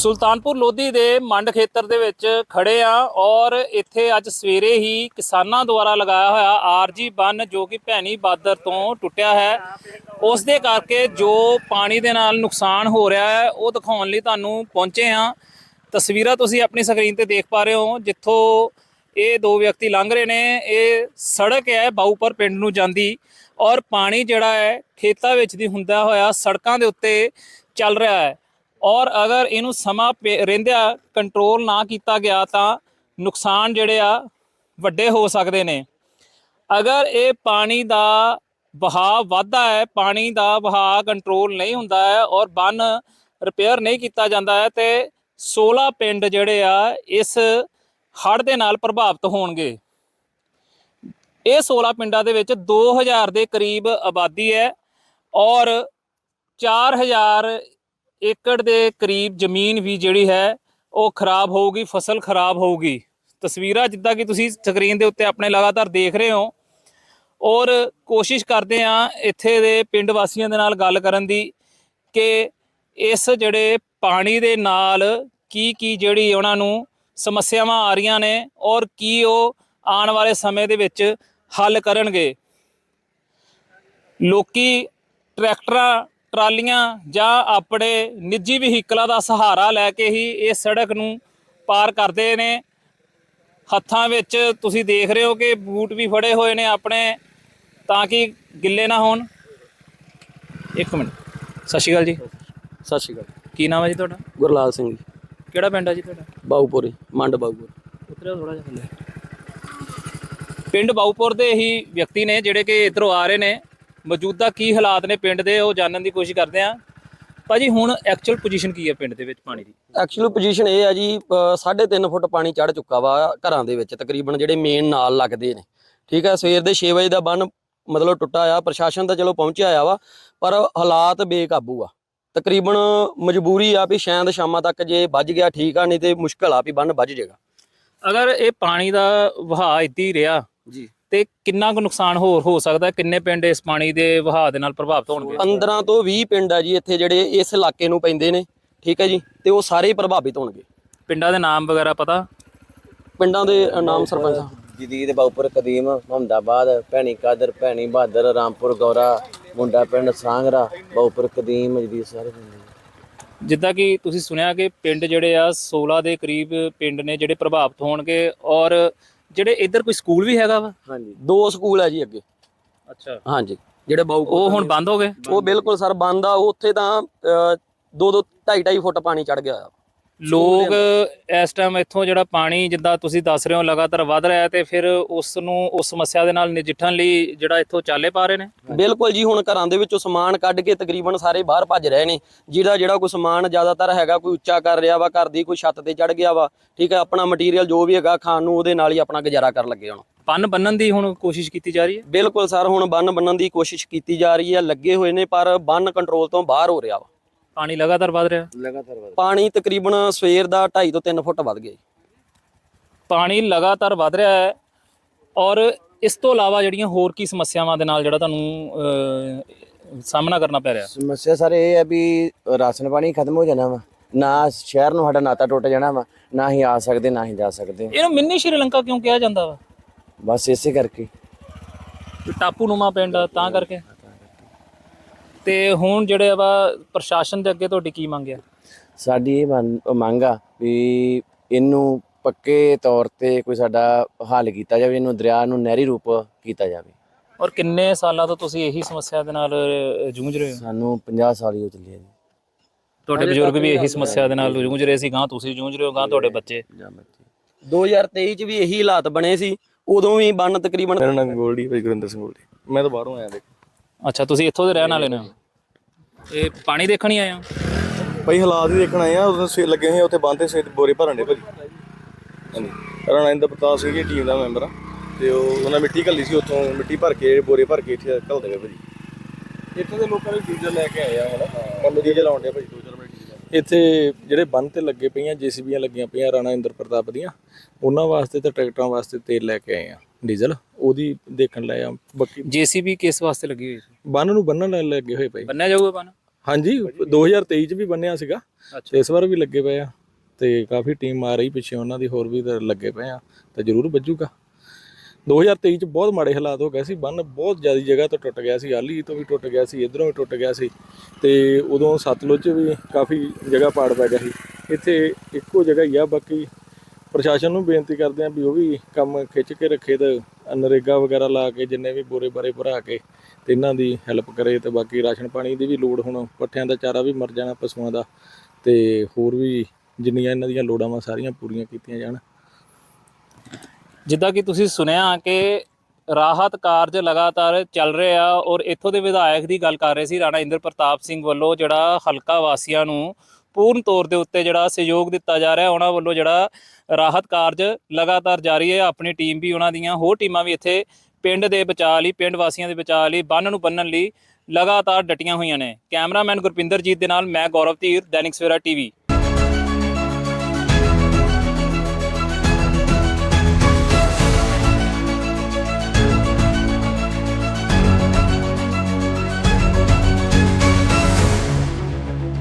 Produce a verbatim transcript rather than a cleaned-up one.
ਸੁਲਤਾਨਪੁਰ ਲੋਧੀ ਦੇ ਮੰਡ ਖੇਤਰ ਦੇ ਵਿੱਚ ਖੜੇ ਆ ਔਰ ਇੱਥੇ ਅੱਜ ਸਵੇਰੇ ਹੀ ਕਿਸਾਨਾਂ ਦੁਆਰਾ ਲਗਾਇਆ ਹੋਇਆ ਆਰਜੀ ਬੰਨ ਜੋ ਕਿ ਭੈਣੀ ਬਾਦਰ ਤੋਂ ਟੁੱਟਿਆ ਹੈ, ਉਸ ਦੇ ਕਰਕੇ ਜੋ ਪਾਣੀ ਦੇ ਨਾਲ ਨੁਕਸਾਨ ਹੋ ਰਿਹਾ ਹੈ ਉਹ ਦਿਖਾਉਣ ਲਈ ਤੁਹਾਨੂੰ ਪਹੁੰਚੇ ਹਾਂ। ਤਸਵੀਰਾਂ ਤੁਸੀਂ ਆਪਣੀ ਸਕਰੀਨ ਤੇ ਦੇਖ ਪਾ ਰਹੇ ਹੋ, ਜਿੱਥੋਂ ਇਹ ਦੋ ਵਿਅਕਤੀ ਲੰਘ ਰਹੇ ਨੇ। ਇਹ ਸੜਕ ਹੈ ਬਾਊਪਰ ਪਿੰਡ ਨੂੰ ਜਾਂਦੀ ਔਰ ਪਾਣੀ ਜਿਹੜਾ ਹੈ ਖੇਤਾਂ ਵਿੱਚ ਦੀ ਹੁੰਦਾ ਹੋਇਆ ਸੜਕਾਂ ਦੇ ਉੱਤੇ ਚੱਲ ਰਿਹਾ ਹੈ ਔਰ ਅਗਰ ਇਹਨੂੰ ਸਮਾਂ ਰਹਿੰਦਿਆਂ ਕੰਟਰੋਲ ਨਾ ਕੀਤਾ ਗਿਆ ਤਾਂ ਨੁਕਸਾਨ ਜਿਹੜੇ ਆ ਵੱਡੇ ਹੋ ਸਕਦੇ ਨੇ। ਅਗਰ ਇਹ ਪਾਣੀ ਦਾ ਵਹਾਅ ਵੱਧਦਾ ਹੈ, ਪਾਣੀ ਦਾ ਵਹਾਅ ਕੰਟਰੋਲ ਨਹੀਂ ਹੁੰਦਾ ਹੈ ਔਰ ਬੰਨ ਰਿਪੇਅਰ ਨਹੀਂ ਕੀਤਾ ਜਾਂਦਾ ਹੈ ਤੇ ਸੋਲ੍ਹਾਂ ਪਿੰਡ ਜਿਹੜੇ ਆ ਇਸ ਹੜ੍ਹ ਦੇ ਨਾਲ ਪ੍ਰਭਾਵਿਤ ਹੋਣਗੇ। ਇਹ ਸੋਲ੍ਹਾਂ ਪਿੰਡਾਂ ਦੇ ਵਿੱਚ ਦੋ ਹਜ਼ਾਰ ਦੇ ਕਰੀਬ ਆਬਾਦੀ ਹੈ ਔਰ ਚਾਰ ਹਜ਼ਾਰ ਏਕੜ ਦੇ ਕਰੀਬ ਜ਼ਮੀਨ ਵੀ ਜਿਹੜੀ ਹੈ ਉਹ ਖਰਾਬ ਹੋਊਗੀ, ਫਸਲ ਖਰਾਬ ਹੋਊਗੀ। ਤਸਵੀਰਾਂ ਜਿੱਦਾਂ ਕਿ ਤੁਸੀਂ ਸਕਰੀਨ ਦੇ ਉੱਤੇ ਆਪਣੇ ਲਗਾਤਾਰ ਦੇਖ ਰਹੇ ਹੋ ਔਰ ਕੋਸ਼ਿਸ਼ ਕਰਦੇ ਹਾਂ ਇੱਥੇ ਦੇ ਪਿੰਡ ਵਾਸੀਆਂ ਦੇ ਨਾਲ ਗੱਲ ਕਰਨ ਦੀ ਕਿ ਇਸ ਜਿਹੜੇ ਪਾਣੀ ਦੇ ਨਾਲ ਕੀ ਕੀ ਜਿਹੜੀ ਉਹਨਾਂ ਨੂੰ ਸਮੱਸਿਆਵਾਂ ਆ ਰਹੀਆਂ ਨੇ ਔਰ ਕੀ ਉਹ ਆਉਣ ਵਾਲੇ ਸਮੇਂ ਦੇ ਵਿੱਚ ਹੱਲ ਕਰਨਗੇ। ਲੋਕੀ ਟਰੈਕਟਰਾਂ, ਟਰਾਲੀਆਂ ਜਾਂ ਆਪਣੇ ਨਿੱਜੀ ਵਹੀਕਲਾਂ ਦਾ ਸਹਾਰਾ ਲੈ ਕੇ ਹੀ ਇਸ ਸੜਕ ਨੂੰ ਪਾਰ ਕਰਦੇ ਨੇ। ਹੱਥਾਂ ਵਿੱਚ ਤੁਸੀਂ ਦੇਖ ਰਹੇ ਹੋ ਕਿ ਬੂਟ ਵੀ ਫੜੇ ਹੋਏ ਨੇ ਆਪਣੇ, ਤਾਂ ਕਿ ਗਿੱਲੇ ਨਾ ਹੋਣ। ਇੱਕ ਮਿੰਟ, ਸਤਿ ਸ਼੍ਰੀ ਅਕਾਲ ਜੀ। ਸਤਿ ਸ਼੍ਰੀ ਅਕਾਲ। ਕੀ ਨਾਮ ਹੈ ਜੀ ਤੁਹਾਡਾ? ਗੁਰਲਾਲ ਸਿੰਘ ਜੀ। ਕਿਹੜਾ ਪਿੰਡ ਹੈ ਜੀ ਤੁਹਾਡਾ? ਬਾਊਪੁਰ, ਮੰਡ ਬਾਊਪੁਰ। ਉਤਰਿਆ ਥੋੜਾ ਜਿਹਾ ਥੱਲੇ। ਪਿੰਡ ਬਾਊਪੁਰ ਦੇ ਹੀ ਵਿਅਕਤੀ ਨੇ ਜਿਹੜੇ ਕਿ ਇੱਧਰੋਂ ਆ ਰਹੇ ਨੇ। ਮੌਜੂਦਾ ਕੀ ਹਾਲਾਤ ਨੇ ਪਿੰਡ ਦੇ ਉਹ ਜਾਣਨ ਦੀ ਕੋਸ਼ਿਸ਼ ਕਰਦੇ ਹਾਂ। ਭਾਜੀ ਹੁਣ ਐਕਚੁਅਲ ਪੋਜੀਸ਼ਨ ਕੀ ਹੈ ਪਿੰਡ ਦੇ ਵਿੱਚ ਪਾਣੀ ਦੀ? ਐਕਚੁਅਲ ਪੋਜੀਸ਼ਨ ਇਹ ਹੈ ਜੀ, ਸਾਢੇ ਤਿੰਨ ਫੁੱਟ ਪਾਣੀ ਚੜ ਚੁੱਕਾ ਵਾ ਘਰਾਂ ਦੇ ਵਿੱਚ, ਤਕਰੀਬਨ ਜਿਹੜੇ ਮੇਨ ਨਾਲ ਲੱਗਦੇ ਨੇ। ਠੀਕ ਹੈ, ਸਵੇਰ ਦੇ ਛੇ ਵਜੇ ਦਾ ਬੰਨ ਮਤਲਬ ਟੁੱਟਾ ਆ। ਪ੍ਰਸ਼ਾਸਨ ਤਾਂ ਚਲੋ ਪਹੁੰਚਿਆ ਆ ਵਾ, ਪਰ ਹਾਲਾਤ ਬੇਕਾਬੂ ਆ। ਤਕਰੀਬਨ ਮਜਬੂਰੀ ਆ ਵੀ ਸ਼ਾਇਦ ਸ਼ਾਮਾਂ ਤੱਕ ਜੇ ਵੱਜ ਗਿਆ ਠੀਕ ਆ, ਨਹੀਂ ਤੇ ਮੁਸ਼ਕਲ ਆ ਵੀ ਬੰਨ ਵੱਜ ਜਾਏਗਾ। ਅਗਰ ਇਹ ਪਾਣੀ ਦਾ ਵਹਾਅ ਇੱਦਾਂ ਹੀ ਰਿਹਾ ਜੀ ਤੇ ਕਿੰਨਾ ਕੁ ਨੁਕਸਾਨ ਹੋਰ ਹੋ ਸਕਦਾ? ਕਿੰਨੇ ਪਿੰਡ ਇਸ ਪਾਣੀ ਦੇ ਵਹਾਅ ਦੇ ਨਾਲ ਪ੍ਰਭਾਵਿਤ ਹੋਣਗੇ? ਪੰਦਰਾਂ ਤੋਂ ਵੀਹ ਪਿੰਡ ਆ ਜੀ ਇੱਥੇ ਜਿਹੜੇ ਇਸ ਇਲਾਕੇ ਨੂੰ ਪੈਂਦੇ ਨੇ। ਠੀਕ ਹੈ ਜੀ, ਤੇ ਉਹ ਸਾਰੇ ਪ੍ਰਭਾਵਿਤ ਹੋਣਗੇ। ਪਿੰਡਾਂ ਦੇ ਨਾਮ ਵਗੈਰਾ ਪਤਾ? ਪਿੰਡਾਂ ਦੇ ਨਾਮ ਸਰਪੰਚ ਜਦੀਦ, ਬਾਊਪੁਰ, ਕਦੀਮ, ਮੁਹੰਮਦਾਬਾਦ, ਭੈਣੀ ਕਾਦਰ, ਭੈਣੀ ਬਹਾਦਰ, ਰਾਮਪੁਰ, ਗੌਰਾ, ਮੁੰਡਾ ਪਿੰਡ, ਸਾਂਗਰਾ, ਬਾਊਪੁਰ, ਕਦੀਮ, ਜਦੀਦ ਸਾਰੇ ਪਿੰਡ। ਜਿੱਦਾਂ ਕਿ ਤੁਸੀਂ ਸੁਣਿਆ ਕਿ ਪਿੰਡ ਜਿਹੜੇ ਆ ਸੋਲ੍ਹਾਂ ਦੇ ਕਰੀਬ ਪਿੰਡ ਨੇ ਜਿਹੜੇ ਪ੍ਰਭਾਵਿਤ ਹੋਣਗੇ ਔਰ ਜਿਹੜੇ ਇੱਧਰ ਕੋਈ ਸਕੂਲ ਵੀ ਹੈਗਾ ਵਾ? ਹਾਂਜੀ, ਦੋ ਸਕੂਲ ਹੈ ਜੀ ਅੱਗੇ। ਅੱਛਾ, ਹਾਂਜੀ, ਜਿਹੜੇ ਬਾਊ ਉਹ ਹੁਣ ਬੰਦ ਹੋ ਗਏ? ਉਹ ਬਿਲਕੁਲ ਸਰ ਬੰਦ ਆ। ਉੱਥੇ ਤਾਂ ਦੋ ਦੋ ਢਾਈ ਢਾਈ ਫੁੱਟ ਪਾਣੀ ਚੜ ਗਿਆ ਆ। ਲੋਕ ਇਸ ਟਾਈਮ ਇੱਥੋਂ ਜਿਹੜਾ ਪਾਣੀ ਜਿੱਦਾਂ ਤੁਸੀਂ ਦੱਸ ਰਹੇ ਹੋ ਲਗਾਤਾਰ ਵੱਧ ਰਿਹਾ ਤੇ ਫਿਰ ਉਸ ਨੂੰ ਉਸ ਸਮੱਸਿਆ ਦੇ ਨਾਲ ਨਜਿੱਠਣ ਲਈ ਜਿਹੜਾ ਇੱਥੋਂ ਚਾਲੇ ਪਾ ਰਹੇ ਨੇ? ਬਿਲਕੁਲ ਜੀ, ਹੁਣ ਘਰਾਂ ਦੇ ਵਿੱਚੋਂ ਸਮਾਨ ਕੱਢ ਕੇ ਤਕਰੀਬਨ ਸਾਰੇ ਬਾਹਰ ਭੱਜ ਰਹੇ ਨੇ। ਜਿਹੜਾ ਜਿਹੜਾ ਕੋਈ ਸਮਾਨ ਜ਼ਿਆਦਾਤਰ ਹੈਗਾ, ਕੋਈ ਉੱਚਾ ਕਰ ਰਿਹਾ ਵਾ, ਘਰ ਦੀ ਕੋਈ ਛੱਤ ਤੇ ਚੜ ਗਿਆ ਵਾ। ਠੀਕ ਹੈ, ਆਪਣਾ ਮਟੀਰੀਅਲ ਜੋ ਵੀ ਹੈਗਾ ਖਾਣ ਨੂੰ, ਉਹਦੇ ਨਾਲ ਹੀ ਆਪਣਾ ਗੁਜ਼ਾਰਾ ਕਰਨ ਲੱਗੇ ਹੁਣ। ਬੰਨ ਬੰਨਣ ਦੀ ਹੁਣ ਕੋਸ਼ਿਸ਼ ਕੀਤੀ ਜਾ ਰਹੀ ਹੈ? ਬਿਲਕੁਲ ਸਰ, ਹੁਣ ਬੰਨ ਬੰਨਣ ਦੀ ਕੋਸ਼ਿਸ਼ ਕੀਤੀ ਜਾ ਰਹੀ ਹੈ, ਲੱਗੇ ਹੋਏ ਨੇ, ਪਰ ਬੰਨ ਕੰਟਰੋਲ ਤੋਂ ਬਾਹਰ ਹੋ ਰਿਹਾ ਵਾ। ਪਾਣੀ ਲਗਾਤਾਰ ਵੱਧ ਰਿਹਾ? ਲਗਾਤਾਰ ਵੱਧ ਪਾਣੀ ਤਕਰੀਬਨ ਸਵੇਰ ਦਾ ਢਾਈ ਤੋਂ ਤਿੰਨ ਫੁੱਟ ਵੱਧ ਗਿਆ। ਪਾਣੀ ਲਗਾਤਾਰ ਵੱਧ ਰਿਹਾ ਹੈ ਔਰ ਇਸ ਤੋਂ ਇਲਾਵਾ ਜਿਹੜੀਆਂ ਹੋਰ ਕੀ ਸਮੱਸਿਆਵਾਂ ਦੇ ਨਾਲ ਜਿਹੜਾ ਤੁਹਾਨੂੰ ਸਾਹਮਣਾ ਕਰਨਾ ਪੈ ਰਿਹਾ? ਸਮੱਸਿਆ ਸਾਰੇ ਇਹ ਹੈ ਵੀ ਰਾਸ਼ਨ ਪਾਣੀ ਖਤਮ ਹੋ ਜਾਣਾ ਵਾ, ਨਾ ਸ਼ਹਿਰ ਨੂੰ ਸਾਡਾ ਨਾਤਾ ਟੁੱਟ ਜਾਣਾ ਵਾ, ਨਾ ਹੀ ਆ ਸਕਦੇ ਨਾ ਹੀ ਜਾ ਸਕਦੇ। ਇਹਨੂੰ ਮਿੰਨੀ ਸ਼੍ਰੀਲੰਕਾ ਕਿਉਂ ਕਿਹਾ ਜਾਂਦਾ ਵਾ? ਬਸ ਇਸੇ ਕਰਕੇ ਟਾਪੂ ਨੂਮਾ ਪਿੰਡ ਤਾਂ ਕਰਕੇ। ਤੇ ਹੁਣ ਜਿਹੜੇ ਵਾ ਪ੍ਰਸ਼ਾਸਨ ਦੇ ਅੱਗੇ ਤੁਹਾਡੀ ਕੀ ਮੰਗ ਹੈ? ਸਾਡੀ ਇਹ ਮੰਗ ਆ ਵੀ ਇਹਨੂੰ ਪੱਕੇ ਤੌਰ ਤੇ ਕੋਈ ਸਾਡਾ ਹੱਲ ਕੀਤਾ ਜਾਵੇ, ਇਹਨੂੰ ਦਰਿਆ ਨੂੰ ਨਹਿਰੀ ਰੂਪ ਕੀਤਾ ਜਾਵੇ। ਔਰ ਕਿੰਨੇ ਸਾਲਾਂ ਤੋਂ ਤੁਸੀਂ ਇਹੀ ਸਮੱਸਿਆ ਦੇ ਨਾਲ ਜੂਝ ਰਹੇ ਹੋ? ਸਾਨੂੰ ਪੰਜਾਹ ਸਾਲ ਹੀ ਹੋ ਚੱਲੇ ਆ ਜੀ। ਤੁਹਾਡੇ ਬਜ਼ੁਰਗ ਵੀ ਇਹੀ ਸਮੱਸਿਆ ਦੇ ਨਾਲ ਜੂਝ ਰਹੇ ਸੀ, ਗਾਂ ਤੁਸੀਂ ਜੂਝ ਰਹੇ ਹੋ, ਗਾਂ ਤੁਹਾਡੇ ਬੱਚੇ। ਦੋ ਹਜ਼ਾਰ ਤੇਈ ਚ ਵੀ ਇਹੀ ਹਾਲਾਤ ਬਣੇ ਸੀ, ਉਦੋਂ ਵੀ ਬੰਨ ਤਕਰੀਬਨ। ਮੇਰਾ ਨਾਮ ਗੋਲਡੀ ਭਾਈ, ਗੁਰਿੰਦਰ ਸਿੰਘ ਗੋਲਡੀ। ਮੈਂ ਤਾਂ ਬਾਹਰੋਂ ਆਇਆ ਦੇਖ। ਅੱਛਾ, ਤੁਸੀਂ ਇੱਥੋਂ ਦੇ ਰਹਿਣ ਵਾਲੇ ਨੇ? ਇਹ ਪਾਣੀ ਦੇਖਣ ਹੀ ਆਏ ਹੋ? ਭਾਈ ਹਾਲਾਤ ਹੀ ਦੇਖਣ ਆਏ ਆ। ਉਦੋਂ ਸੇ ਲੱਗੇ ਹੋਏ ਉੱਥੇ ਬੰਦ ਤੇ ਸੇ ਬੋਰੇ ਭਰਨ ਦੇ ਭਾਜੀ। ਹਾਂਜੀ, ਰਾਣਾ ਇੰਦਰ ਪ੍ਰਤਾਪ ਸਿੰਘ ਜੀ ਟੀਮ ਦਾ ਮੈਂਬਰ ਆ ਤੇ ਉਹ ਉਹਨਾਂ ਮਿੱਟੀ ਘੱਲੀ ਸੀ, ਉੱਥੋਂ ਮਿੱਟੀ ਭਰ ਕੇ ਬੋਰੇ ਭਰ ਕੇ ਇੱਥੇ ਘੱਲਦੇ ਗਏ ਭਾਜੀ। ਇੱਥੇ ਦੇ ਲੋਕਾਂ ਨੇ ਡੀਜ਼ਲ ਲੈ ਕੇ ਆਏ ਆ ਹੁਣ, ਕੰਮ ਡੀਜ਼ਲ ਆਉਣ ਡਿਆ ਭਾਜੀ। ਦੋ ਚਾਰ ਮਿੰਟ ਇੱਥੇ ਜਿਹੜੇ ਬੰਨ ਤੇ ਲੱਗੇ ਪਈਆਂ ਜੇਸੀਬੀਆਂ ਲੱਗੀਆਂ ਪਈਆਂ ਰਾਣਾ ਇੰਦਰ ਪ੍ਰਤਾਪ ਦੀਆਂ, ਉਹਨਾਂ ਵਾਸਤੇ ਤੇ ਟਰੈਕਟਰਾਂ ਵਾਸਤੇ ਤੇਲ ਲੈ ਕੇ ਆਏ ਆ, ਡੀਜ਼ਲ ਉਹਦੀ ਦੇਖਣ ਲੈ ਆ। ਬਾਕੀ ਜੇਸੀਬੀ ਕਿਸ ਵਾਸਤੇ ਲੱਗੀ ਹੋਈ ਸੀ? ਬੰਨ ਨੂੰ ਬੰਨਣ ਲੱਗੇ ਹੋਏ ਭਾਈ। ਬੰਨਿਆ ਜਾਊਗਾ ਬੰਨ? ਹਾਂਜੀ ਦੋ ਹਜ਼ਾਰ ਤੇਈ ਚ ਵੀ ਬੰਨਿਆ ਸੀਗਾ ਅੱਛਾ ਤੇ ਇਸ ਵਾਰ ਵੀ ਲੱਗੇ ਪਏ ਆ ਤੇ ਕਾਫੀ ਟੀਮ ਆ ਰਹੀ ਪਿੱਛੇ ਉਹਨਾਂ ਦੀ ਹੋਰ ਵੀ ਤਾਂ ਲੱਗੇ ਪਏ ਆ ਤੇ ਜ਼ਰੂਰ ਵੱਜੂਗਾ। ਦੋ ਹਜ਼ਾਰ ਤੇਈ ਚ ਬਹੁਤ ਮਾੜੇ ਹਾਲਾਤ ਹੋ ਗਏ ਸੀ, ਬੰਨ ਬਹੁਤ ਜ਼ਿਆਦਾ ਜਗ੍ਹਾ ਤੋਂ ਟੁੱਟ ਗਿਆ ਸੀ, ਆਲੀ ਤੋਂ ਵੀ ਟੁੱਟ ਗਿਆ ਸੀ, ਇਧਰੋਂ ਵੀ ਟੁੱਟ ਗਿਆ ਸੀ ਤੇ ਉਦੋਂ ਸਤਲੁਜ 'ਚ ਵੀ ਕਾਫੀ ਜਗ੍ਹਾ ਪਾੜ ਪੈ ਗਿਆ ਸੀ। ਇੱਥੇ ਇੱਕੋ ਜਗ੍ਹਾ ਹੀ ਆ, ਬਾਕੀ ਪ੍ਰਸ਼ਾਸਨ ਨੂੰ ਬੇਨਤੀ ਕਰਦੇ ਆ ਵੀ ਉਹ ਵੀ ਕੰਮ ਖਿੱਚ ਕੇ ਰੱਖੇ ਤੇ ਨਰੇਗਾ ਵਗੈਰਾ ਲਾ ਕੇ ਜਿੰਨੇ ਵੀ ਬੋਰੇ ਬਾਰੇ ਭਰਾ ਕੇ ਤੇ ਇਹਨਾਂ ਦੀ ਹੈਲਪ ਕਰੇ ਤੇ ਬਾਕੀ ਰਾਸ਼ਨ ਪਾਣੀ ਦੀ ਵੀ ਲੋੜ, ਹੁਣ ਪੱਠਿਆਂ ਦਾ ਚਾਰਾ ਵੀ ਮਰ ਜਾਣਾ ਪਸ਼ੂਆਂ ਦਾ ਤੇ ਹੋਰ ਵੀ ਜਿੰਨੀਆਂ ਇਹਨਾਂ ਦੀਆਂ ਲੋੜਾਂ ਵਾ ਸਾਰੀਆਂ ਪੂਰੀਆਂ ਕੀਤੀਆਂ ਜਾਣ। ਜਿੱਦਾਂ ਕਿ ਤੁਸੀਂ ਸੁਣਿਆ ਕਿ ਰਾਹਤ ਕਾਰਜ ਲਗਾਤਾਰ ਚੱਲ ਰਹੇ ਆ ਔਰ ਇੱਥੋਂ ਦੇ ਵਿਧਾਇਕ ਦੀ ਗੱਲ ਕਰ ਰਹੇ ਸੀ ਰਾਣਾ ਇੰਦਰ ਪ੍ਰਤਾਪ ਸਿੰਘ ਵੱਲੋਂ, ਜਿਹੜਾ ਹਲਕਾ ਵਾਸੀਆਂ ਨੂੰ ਪੂਰਨ ਤੌਰ ਦੇ ਉੱਤੇ ਜਿਹੜਾ ਸਹਿਯੋਗ ਦਿੱਤਾ ਜਾ ਰਿਹਾ, ਉਹਨਾਂ ਵੱਲੋਂ ਜਿਹੜਾ ਰਾਹਤ ਕਾਰਜ ਲਗਾਤਾਰ ਜਾਰੀ ਹੈ। ਆਪਣੀ ਟੀਮ ਵੀ, ਉਹਨਾਂ ਦੀਆਂ ਹੋਰ ਟੀਮਾਂ ਵੀ ਇੱਥੇ ਪਿੰਡ ਦੇ ਬਚਾਅ ਲਈ, ਪਿੰਡ ਵਾਸੀਆਂ ਦੇ ਬਚਾਅ ਲਈ, ਬੰਨ ਨੂੰ ਬੰਨਣ ਲਈ ਲਗਾਤਾਰ ਡਟੀਆਂ ਹੋਈਆਂ ਨੇ। ਕੈਮਰਾਮੈਨ ਗੁਰਪਿੰਦਰਜੀਤ ਦੇ ਨਾਲ ਮੈਂ ਗੌਰਵ ਧੀਰ, ਦੈਨਿਕ ਸਵੇਰਾ ਟੀਵੀ।